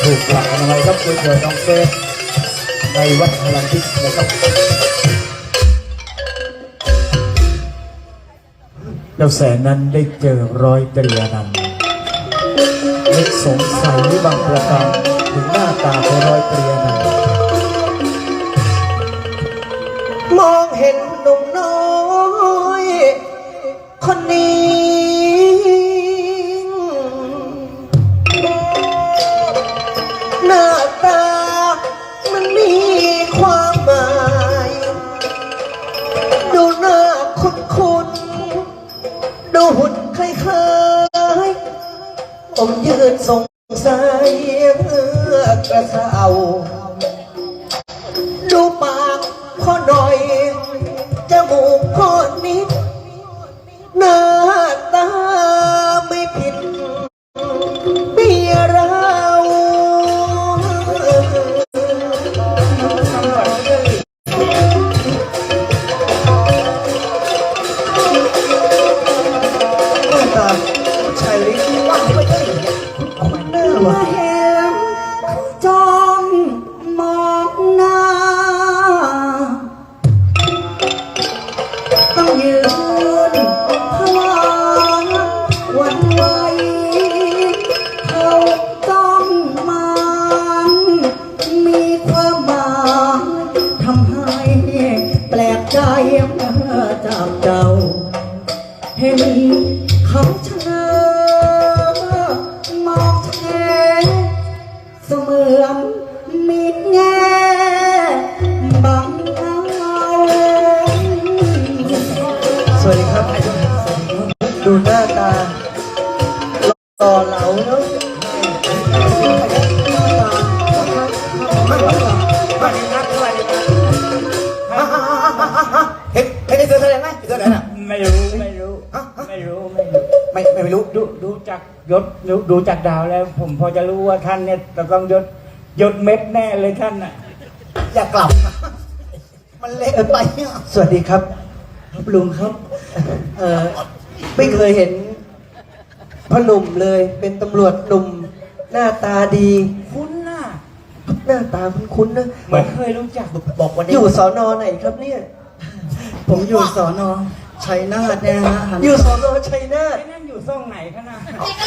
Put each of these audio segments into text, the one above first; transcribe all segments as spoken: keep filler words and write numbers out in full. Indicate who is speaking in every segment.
Speaker 1: ถูกหลักอนามัยครับคุณเถิดน้องเฟสในวัดพลังพิษนะครับแล้วแสนนั้นได้เจอร้อยตรีอนันต์นึกสงสัยบางประการถึงหน้าตาของร้อยตรีอนันต์
Speaker 2: มองเห็นหนุ่มน้อยคนนี้หน้าตามันมีความหมายดูหน้าคุ้นๆดูหุ่นคล้ายๆผมยืนสงสัยเพื่อกระเซาดูปากพ่อหน่อยจมูกพ่อนิดหน้าตาไม่ผิดเมียเราหน้าตาชายลิ้นว่าไม่ได้คุณหน้าว่ะ
Speaker 3: เห็นจ้องมองหน้าต้องยืนพลางวันไหวเขาจ้องมามีความหมายทำให้แปลกใจเมื่อจากเจ้าเห็นเขาเชยมองแชเสมือนมีแง่บังเอา
Speaker 2: สวัสดีครับดูหน้าตาหล่อเหลาเนาะเห็นเห็นไอ้เสือแสดงไหมไอ้เสือแสดงอ่ะ
Speaker 1: ไม่รู้ไม่รู้ไม่รู้ไม่รู้
Speaker 2: ไม่ไม่รู้
Speaker 1: ดูดูจากยศดูดูจากดาวแล้ว ผมพอจะรู้ว่าท่านเนี่ยจะต้องยศยศเม็ดแน่เลยท่านน่ะ
Speaker 2: อย่ากลับมันเละไปสวัสดีครับครับลุงครับเออไม่เคยเห็นพ่อหนุ่มเลยเป็นตำรวจหนุ่มหน้าตาดี
Speaker 1: คุ้นน่ะ
Speaker 2: หน้าตาคุ้นๆนะ
Speaker 1: เหมือนเคยรู้จักบอกวันนี้
Speaker 2: อยู่สอนอไหนครับเนี่ย
Speaker 3: ผมอยู่สอนอชัยนาทเนี่ยนะฮะ
Speaker 2: อยู่สอนอชัยนาท
Speaker 1: ไอ้นั่นอยู่ซ่องไหนคะน่ะ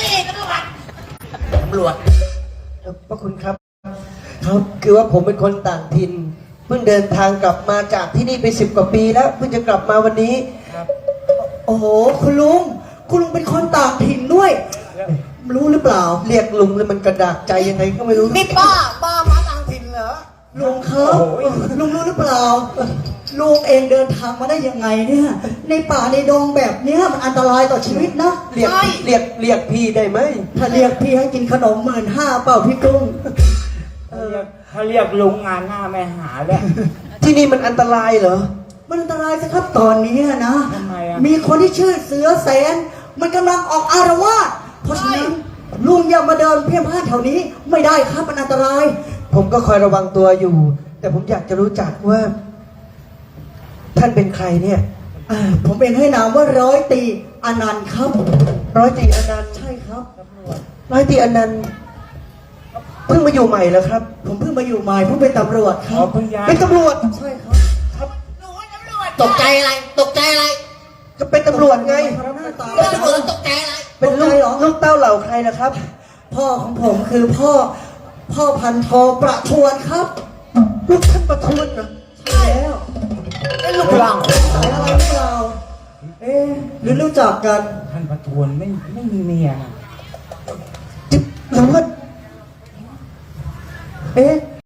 Speaker 2: ตำรวจเอ่อพระคุณครับครับคือว่าผมเป็นคนต่างถิ่นเพิ่งเดินทางกลับมาจากที่นี่ไปสิบกว่าปีแล้วเพิ่งจะกลับมาวันนี้
Speaker 1: ครับ
Speaker 3: โอ้โหคุณลุงคุณลุงเป็นคนต่างถิ่นด้วย
Speaker 1: แล้ว
Speaker 3: รู้หรือเปล่า
Speaker 2: เรียกลุงแล้วมันกระดากใจยังไงก็ไม่รู้
Speaker 3: นี่ป้าป้ามาต่างถิ่นเหรอลุงครับลุงรู้หรือเปล่าลุงเองเดินทางมาได้ยังไงเนี่ยในป่าในดงแบบเนี้ยมันอันตรายต่อชีวิตนะ
Speaker 2: เรียกเรียกเรียกพี่ได้ไหม
Speaker 3: ถ้าเรียกพี่ให้กินขนมหมื่นห้าเปล่าพี่กุ้ง
Speaker 1: ถ้าเรียกถ้าเรียกลุงงานหน้าไม่หาแล้ว
Speaker 2: ที่นี่มันอันตรายเหรอ
Speaker 3: มันอันตรายสิครับตอนนี้นะ
Speaker 1: ทำไมอ่ะ
Speaker 3: มีคนที่ชื่อเสือแสน มันกำลังออกอารวาสเพราะฉะนั้นลุงอย่ามาเดินเพี้ยนพลาดแถวนี้ไม่ได้ครับมันอันตราย
Speaker 2: ผมก็คอยระวังตัวอยู่ แต่ผมอยากจะรู้จักว่า ท่านเป็นใครเนี่ย
Speaker 3: อ่าผมเองให้นามว่าร้อยตีอนันต์ครับ
Speaker 2: ร้อยตรีอนันต์
Speaker 3: ใช่ครับ
Speaker 2: ร้อยตรีอนันต์เพิ่งมาอยู่ใหม่แล้วครับ
Speaker 3: ผมเพิ่งมาอยู่ใหม่เพิ่งเป็นตำรวจค
Speaker 1: อ๋
Speaker 3: รั
Speaker 1: อบ เพิ่งย้าย
Speaker 2: เป็นตำรวจ
Speaker 3: ใช่ครับ
Speaker 4: ตกใจอะไร ตกใจอะไร
Speaker 2: ก็เป็นตำรวจไง
Speaker 3: หน้าตา
Speaker 4: เรื่องตำรวจตกใจอะไร
Speaker 2: เป็นลูกลูกเต้าเหล่าใครนะครับ
Speaker 3: พ่อของผมคือพ่อ พ่อพันทองประทวนครับ
Speaker 2: ลูกท่านประทุนเหรอ
Speaker 3: ใช่แล้ว
Speaker 4: เป็นลูกหลัง
Speaker 3: สายอะไรหรือเปล่าเอ๊ะหรือรู้จักกัน
Speaker 1: ท่านประทวนไม่ไม่มีเมียน่ะ
Speaker 2: หรือว่า
Speaker 3: เอ๊ะ